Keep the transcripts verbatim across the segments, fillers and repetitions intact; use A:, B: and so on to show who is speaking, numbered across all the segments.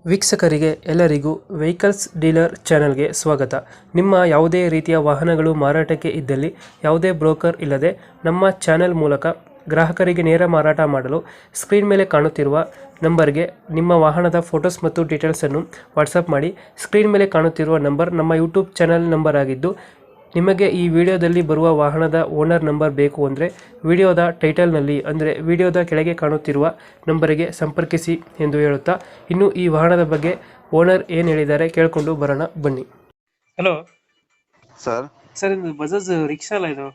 A: ವೀಕ್ಷಕರಿಗೆ ಎಲ್ಲರಿಗೂ vehicles dealer ಚಾನೆಲ್ಗೆ ಸ್ವಾಗತ. ನಿಮ್ಮ ಯಾವುದೇ ರೀತಿಯ ವಾಹನಗಳು ಮಾರಾಟಕ್ಕೆ ಇದ್ದಲ್ಲಿ ಯಾವುದೇ ಬ್ರೋಕರ್ ಇಲ್ಲದೆ ನಮ್ಮ ಚಾನೆಲ್ ಮೂಲಕ ಗ್ರಾಹಕರಿಗೆ ನೇರ ಮಾರಾಟ ಮಾಡಲು ಸ್ಕ್ರೀನ್ ಮೇಲೆ ಕಾಣುತ್ತಿರುವ ನಂಬರ್ಗೆ ನಿಮ್ಮ ವಾಹನದ ಫೋಟೋಸ್ ಮತ್ತು ಡೀಟೇಲ್ಸನ್ನು ವಾಟ್ಸಪ್ ಮಾಡಿ. ಸ್ಕ್ರೀನ್ ಮೇಲೆ ಕಾಣುತ್ತಿರುವ ನಂಬರ್ ನಮ್ಮ ಯೂಟ್ಯೂಬ್ ಚಾನೆಲ್ ನಂಬರ್ ಆಗಿದ್ದು, ನಿಮಗೆ ಈ ವಿಡಿಯೋದಲ್ಲಿ ಬರುವ ವಾಹನದ ಓನರ್ ನಂಬರ್ ಬೇಕು ಅಂದರೆ ವಿಡಿಯೋದ ಟೈಟಲ್ನಲ್ಲಿ ಅಂದರೆ ವಿಡಿಯೋದ ಕೆಳಗೆ ಕಾಣುತ್ತಿರುವ ನಂಬರಿಗೆ ಸಂಪರ್ಕಿಸಿ ಎಂದು ಹೇಳುತ್ತಾ, ಇನ್ನು ಈ ವಾಹನದ ಬಗ್ಗೆ ಓನರ್ ಏನು ಹೇಳಿದ್ದಾರೆ ಕೇಳಿಕೊಂಡು ಬರೋಣ ಬನ್ನಿ. Hello
B: sir.
A: ಸರ್, ಇದು ಬಜಾಜ್ ರಿಕ್ಷಾ ಅಲ್ಲ ಇದು?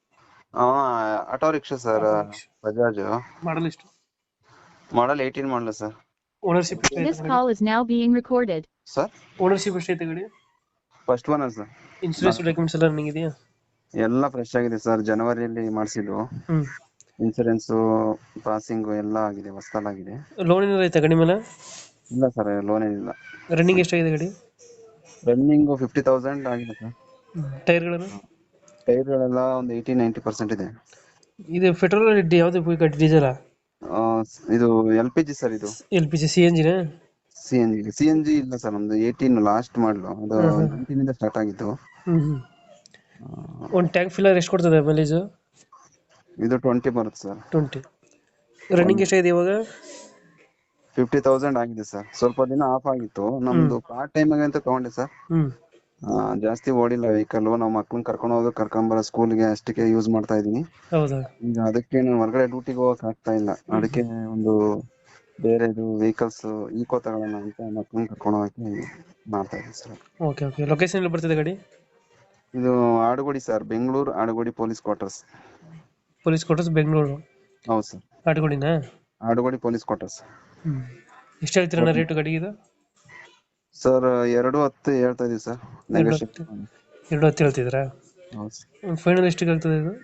B: Auto rickshaw sir, Bajaj.
A: Model ಎಷ್ಟು?
B: Model eighteen model sir.
A: Ownership
C: This call is now being recorded.
B: Sir,
A: ownership ಎಷ್ಟೈತೆ ಗಾಡಿ?
B: First one sir.
A: Insurance documents ಎಲ್ಲ ರನ್ನಿಂಗ್ ಇದೆಯಾ?
B: ಎಲ್ಲ ಫ್ರೆಶ್ ಆಗಿದೆ ಸರ್, ಜನವರಿಯಲ್ಲಿ ಮಾಡಿಸಿದ್ವು.
A: ಹ್ಮ್
B: ಇನ್ಸೂರೆನ್ಸ್ ಪಾಸಿಂಗ್ ಎಲ್ಲ ಆಗಿದೆ, ಹೊಸದಾಗಿದೆ.
A: ಲೋನ್ ಏನಾರ ಐತೆ ಗಾಡಿ ಮೇಲೆ?
B: ಇಲ್ಲ ಸರ್, ಲೋನ್ ಏನಿಲ್ಲ.
A: ರನ್ನಿಂಗ್ ಎಷ್ಟಾಗಿದೆ ಗಾಡಿ?
B: ರನ್ನಿಂಗ್ ಫಿಫ್ಟಿ ತೌಸಂಡ್ ಆಗಿದೆ ಸರ್.
A: ಟೈರ್ಗಳನ್ನು?
B: ಟೈರ್ಗಳೆಲ್ಲ ಒಂದು ಏಯ್ಟಿ ನೈಂಟಿ ಪರ್ಸೆಂಟ್ ಇದೆ.
A: ಇದು ಪೆಟ್ರೋಲ್ ಯಾವ್ದು ಗಾಡಿ? ಡೀಸೆಲ್?
B: ಇದು ಎಲ್ ಪಿ ಜಿ ಸರ್. ಇದು
A: L P G C N ಜಿನ?
B: C N G C N G ಇಲ್ಲ ಸರ್, ನಮ್ದು ಏಯ್ಟೀನ್ ಲಾಸ್ಟ್ ಮಾಡಲು, ಅದು ನೈನ್ಟೀನ್ ಇಂದ ಸ್ಟಾರ್ಟ್ ಆಗಿತ್ತು.
A: ಹ್ಮ್ ಒಂದು ಟ್ಯಾಂಕ್ ಫಿಲ್ಲರ್ ಎಷ್ಟು ಕೊಡ್ತದೆ ಮೈಲೇಜ್?
B: ಇದು ಟ್ವೆಂಟಿ ಬರುತ್ತೆ ಸರ್.
A: ಟ್ವೆಂಟಿ. ರನ್ನಿಂಗ್ ಎಷ್ಟಾಗಿದೆ ಇವಾಗ?
B: ಫಿಫ್ಟಿ ತೌಸಂಡ್ ಆಗಿದೆ ಸರ್. ಸ್ವಲ್ಪ ದಿನ ಆಫ್ ಆಗಿತ್ತು, ನಮ್ದು ಪಾರ್ಟ್ ಟೈಮ್ ಅಂತ ತಗೊಂಡೆ ಸರ್.
A: ಹ್ಮ್
B: ಜಾಸ್ತಿ ಓಡಿಲ್ಲ ವೆಹಿಕಲ್. ನಾವು ಮಕ್ಳನ್ನ ಕರ್ಕೊಂಡು ಹೋಗೋದು ಕರ್ಕೊಂಡ್ ಬರೋ ಸ್ಕೂಲ್ಗೆ ಅಷ್ಟಕ್ಕೆ ಯೂಸ್ ಮಾಡ್ತಾ ಇದೀನಿ.
A: ಹೌದಾ?
B: ಈಗ ಅದಕ್ಕೆ ನಾನು ಹೊರಗಡೆ ಡ್ಯೂಟಿಗೆ ಹೋಗಕ್ ಆಗ್ತಾ ಇಲ್ಲ. ಅದಕ್ಕೆ ಒಂದು ಬೇರೆದು ವೆಹಿಕಲ್ಸ್ ಈಕೋ ತಗೊಳ್ಳೋಣ ಅಂತ ಮಕ್ಳನ್ನ ಕರ್ಕೊಂಡು ಹೋಗಕ್ಕೆ ಮಾಡ್ತಾ ಇದೀನಿ ಸರ್.
A: Okay okay. ಲೊಕೇಶನ್ ಎಲ್ಲಿ ಬರ್ತದೆ ಗಾಡಿ?
B: ಇದು Adugodi sir, Bengaluru Adugodi police quarters.
A: Police quarters Bengaluru?
B: ಹೌದು ಸರ್.
A: ಆಟಗೋಡಿನಾ?
B: Adugodi police quarters.
A: ಹ್ಮ್ ಎಷ್ಟು ಹೇಳ್ತೀರಣ್ಣ ರೇಟು ಗಾಡಿಗೆ ಇದು?
B: ಸರ್, ಎರಡು ಹತ್ತು ಹೇಳ್ತಾ ಇದೀವಿ ಸರ್.
A: ಎರಡು ಹತ್ತು ಹೇಳ್ತಿದ್ರಾ?
B: ಹೌದು ಸರ್.
A: ಫೈನಲ್ ಎಷ್ಟಿಗೆ ಆಗ್ತದೆ ಇದು?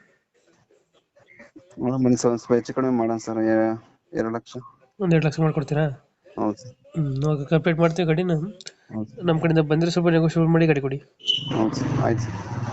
B: ಬನ್ನಿ ಸರ್, ಸ್ವಲ್ಪ ಹೆಚ್ಚು ಕಡಿಮೆ ಮಾಡೋಣ ಸರ್. ಎರಡು ಲಕ್ಷ.
A: ಒಂದ್ ಎರಡು ಲಕ್ಷ ಮಾಡ್ಕೊಡ್ತೀರಾ?
B: ಹೌದು ಸರ್.
A: ಹ್ಮ್ ಕಂಪ್ಲೀಟ್ ಮಾಡ್ತೀವಿ ಗಾಡಿನ.
B: ಹೌದು ಸರ್.
A: ನಮ್ಮ ಕಡೆಯಿಂದ ಬಂದರೆ ಸ್ವಲ್ಪ ನೆಗೋಷಿಯೇಟ್ ಮಾಡಿ ಗಾಡಿ ಕೊಡಿ.
B: ಹೌದು ಸರ್, ಆಯ್ತು ಸರ್.